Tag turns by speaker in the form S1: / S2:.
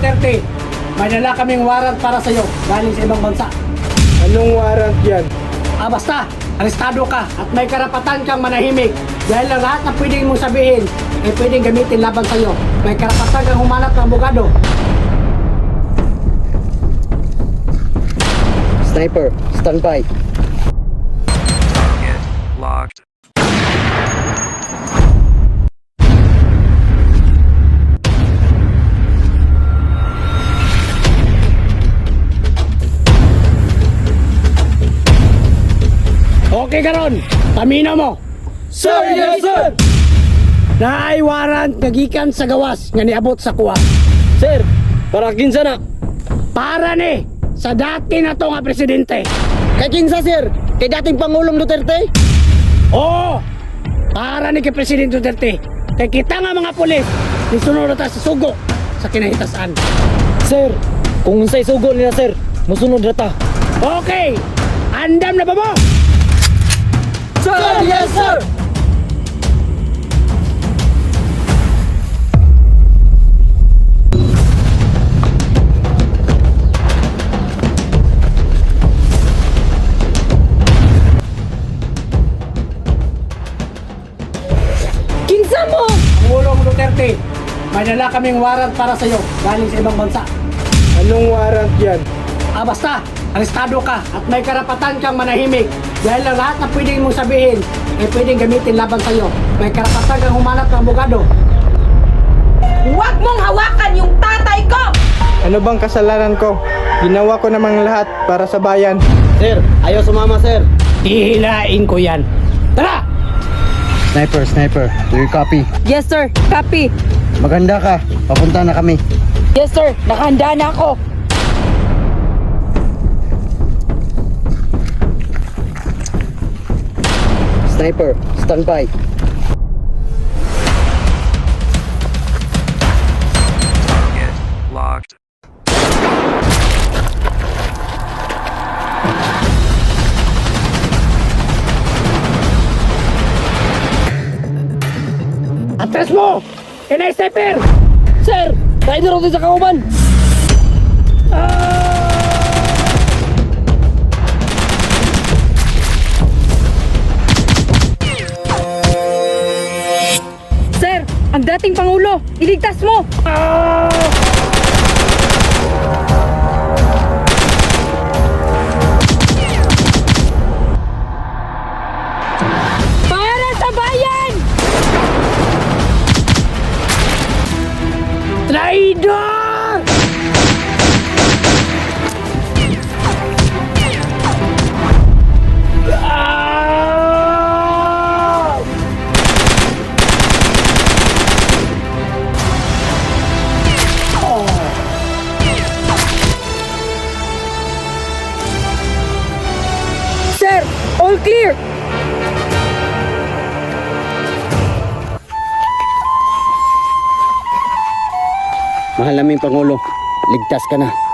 S1: Duterte, may dala kaming warrant para sa'yo galing sa ibang bansa.
S2: Anong warrant yan?
S1: Basta, arestado ka at may karapatan kang manahimik dahil ang lahat na pwedeng mong sabihin ay pwedeng gamitin laban sa'yo. May karapatan kang humanap ng abogado.
S3: Sniper, stand by.
S4: Get locked.
S1: Okay karon, tamino mo.
S2: Sir, yes sir!
S1: Naay warrant gagikan sa gawas nga niabot sa kuha.
S3: Sir, para kinsa na?
S1: Para ni sa dati na to nga presidente.
S3: Kay kinsa sir? Kay dating Pangulong Duterte?
S1: Oo, para ni kay Presidente Duterte. Kay kita nga mga pulis, nisunod ta sa sugo sa kinahitasan.
S3: Sir, kung unsay sugo nila sir, musunod na ta.
S1: Okay, andam na ba mo?
S2: Sir, yes sir!
S3: Kinsa mo?
S1: Pangulong Duterte, may dala kaming warrant para sa'yo galing sa ibang bansa.
S2: Anong warrant yan?
S1: Basta, arestado ka at may karapatan kang manahimik dahil ang lahat na pwedeng mong sabihin ay pwedeng gamitin laban sa'yo. May karapatan kang humanap ng abogado.
S5: Huwag mong hawakan yung tatay ko!
S2: Ano bang kasalanan ko? Ginawa ko namang lahat para sa bayan.
S3: Sir, ayaw sumama sir.
S1: Hihilain ko yan. Tara!
S3: Sniper, do you copy?
S5: Yes sir, copy.
S3: Maganda ka, papunta na kami.
S5: Yes sir, nakahanda na ako.
S3: Sniper, stand by.
S4: Get locked.
S1: Atras mo! Kinay sniper!
S3: Sir, rider ako sa kauban.
S5: Sir, ang dating Pangulo, iligtas mo! Para sa bayan!
S1: Traidor! Ah!
S5: Sir, all clear!
S3: Mahal naming Pangulo, ligtas ka na.